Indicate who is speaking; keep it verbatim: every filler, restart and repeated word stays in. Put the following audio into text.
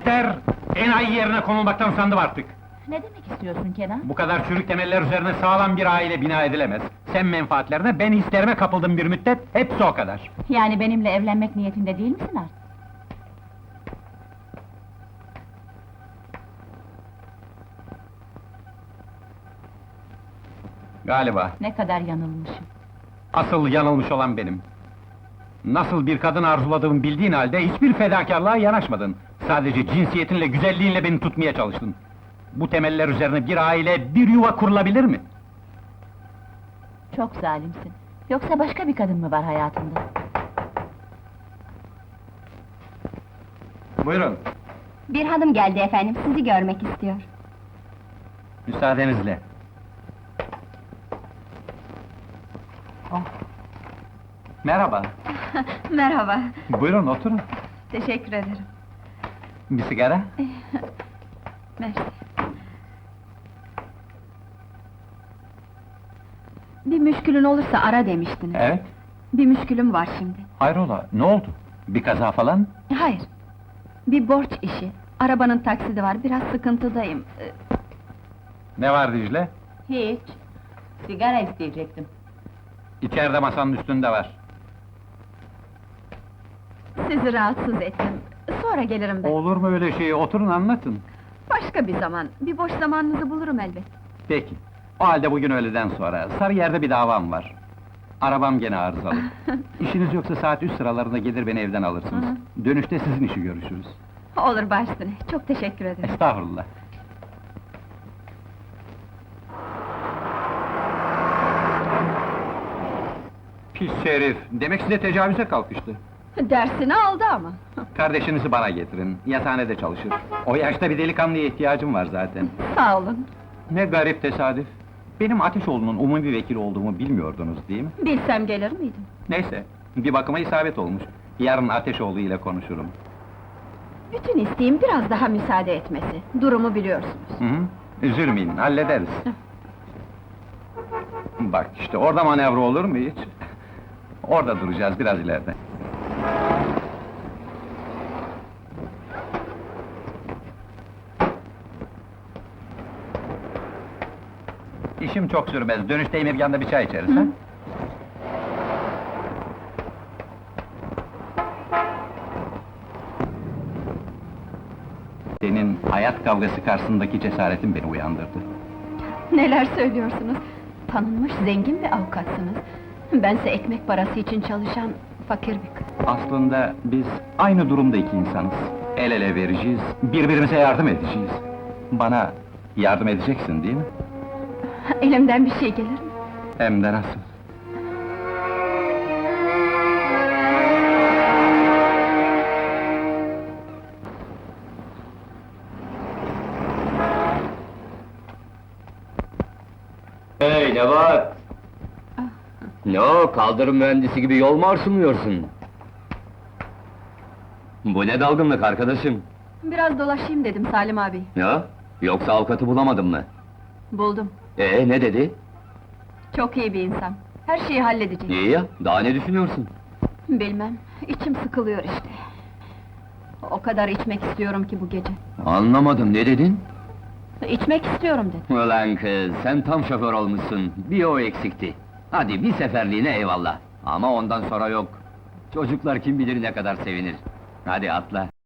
Speaker 1: İster enayi yerine konulmaktan usandım artık.
Speaker 2: Ne demek istiyorsun Kenan?
Speaker 1: Bu kadar çürük temeller üzerine sağlam bir aile bina edilemez. Sen menfaatlerine, ben hislerime kapıldım bir müddet, hepsi o kadar.
Speaker 2: Yani benimle evlenmek niyetinde değil misin artık?
Speaker 1: Galiba.
Speaker 2: Ne kadar yanılmışım.
Speaker 1: Asıl yanılmış olan benim. Nasıl bir kadın arzuladığımı bildiğin halde hiçbir fedakarlığa yanaşmadın. Sadece cinsiyetinle, güzelliğinle beni tutmaya çalıştın. Bu temeller üzerine bir aile, bir yuva kurulabilir mi?
Speaker 2: Çok zalimsin. Yoksa başka bir kadın mı var hayatında?
Speaker 1: Buyurun,
Speaker 3: Bir hanım geldi efendim, sizi görmek istiyor.
Speaker 1: müsaadenizle. Oh. Merhaba,
Speaker 3: Merhaba,
Speaker 1: buyurun oturun.
Speaker 3: teşekkür ederim.
Speaker 1: Bir sigara?
Speaker 3: Mersi. Bir müşkülün olursa ara demiştiniz.
Speaker 1: Evet.
Speaker 3: Bir müşkülüm var şimdi.
Speaker 1: Hayrola, ne oldu? Bir kaza falan?
Speaker 3: Hayır, bir borç işi. Arabanın taksidi var, biraz sıkıntıdayım. Ee,
Speaker 1: Ne var Dicle?
Speaker 2: Hiç. Sigara isteyecektim.
Speaker 1: İçeride masanın üstünde var.
Speaker 3: Sizi rahatsız ettim. Sonra gelirim ben.
Speaker 1: Olur mu öyle şey? Oturun anlatın.
Speaker 3: Başka bir zaman, bir boş zamanınızı bulurum elbet.
Speaker 1: Peki. O halde bugün öğleden sonra, Sarıyer'de bir davam var. Arabam gene arızalı. İşiniz yoksa saat üç sıralarında gelir beni evden alırsınız. Dönüşte sizin işi görüşürüz.
Speaker 3: Olur baş üstüne, çok teşekkür ederim.
Speaker 1: Estağfurullah. Pis herif! Demek size tecavüze kalkıştı.
Speaker 3: Dersini aldı ama.
Speaker 1: Kardeşinizi bana getirin, yatağhanede çalışır. O yaşta bir delikanlıya ihtiyacım var zaten.
Speaker 3: Sağ olun.
Speaker 1: Ne garip tesadüf! Benim Ateşoğlu'nun umumi vekil olduğumu bilmiyordunuz değil mi?
Speaker 3: Bilsem gelir miydim?
Speaker 1: Neyse, bir bakıma isabet olmuş. Yarın Ateşoğlu ile konuşurum.
Speaker 3: Bütün isteğim biraz daha müsaade etmesi. Durumu biliyorsunuz.
Speaker 1: Hı hı, üzülmeyin, hallederiz. Bak işte, orada manevra olur mu hiç? Orada duracağız, biraz ileride. İşim çok sürmez, dönüşte Emirgan'da bir çay içeriz, ha? Senin hayat kavgası karşısındaki cesaretin beni uyandırdı.
Speaker 3: Neler söylüyorsunuz? Tanınmış zengin bir avukatsınız. Bense ekmek parası için çalışan fakir bir kız.
Speaker 1: Aslında biz aynı durumda iki insanız. El ele vereceğiz, birbirimize yardım edeceğiz. Bana yardım edeceksin değil mi?
Speaker 3: Elimden bir şey gelir mi?
Speaker 1: Hem de nasıl?
Speaker 4: Hey, ne var? Ne o, kaldırım mühendisi gibi yol mu arsınlıyorsun? Bu ne dalgınlık arkadaşım?
Speaker 3: Biraz dolaşayım dedim Salim abi.
Speaker 4: Ya, yoksa avukatı bulamadın mı?
Speaker 3: Buldum.
Speaker 4: Ee, ne dedi?
Speaker 3: Çok iyi bir insan. Her şeyi halledecek.
Speaker 4: İyi ya, daha ne düşünüyorsun?
Speaker 3: Bilmem, içim sıkılıyor işte. O kadar içmek istiyorum ki bu gece.
Speaker 4: Anlamadım, ne dedin?
Speaker 3: İçmek istiyorum dedim.
Speaker 4: Ulan kız, sen tam şoför olmuşsun, bir o eksikti. Hadi bir seferliğine eyvallah. Ama ondan sonra yok. Çocuklar kim bilir ne kadar sevinir. Hadi atla.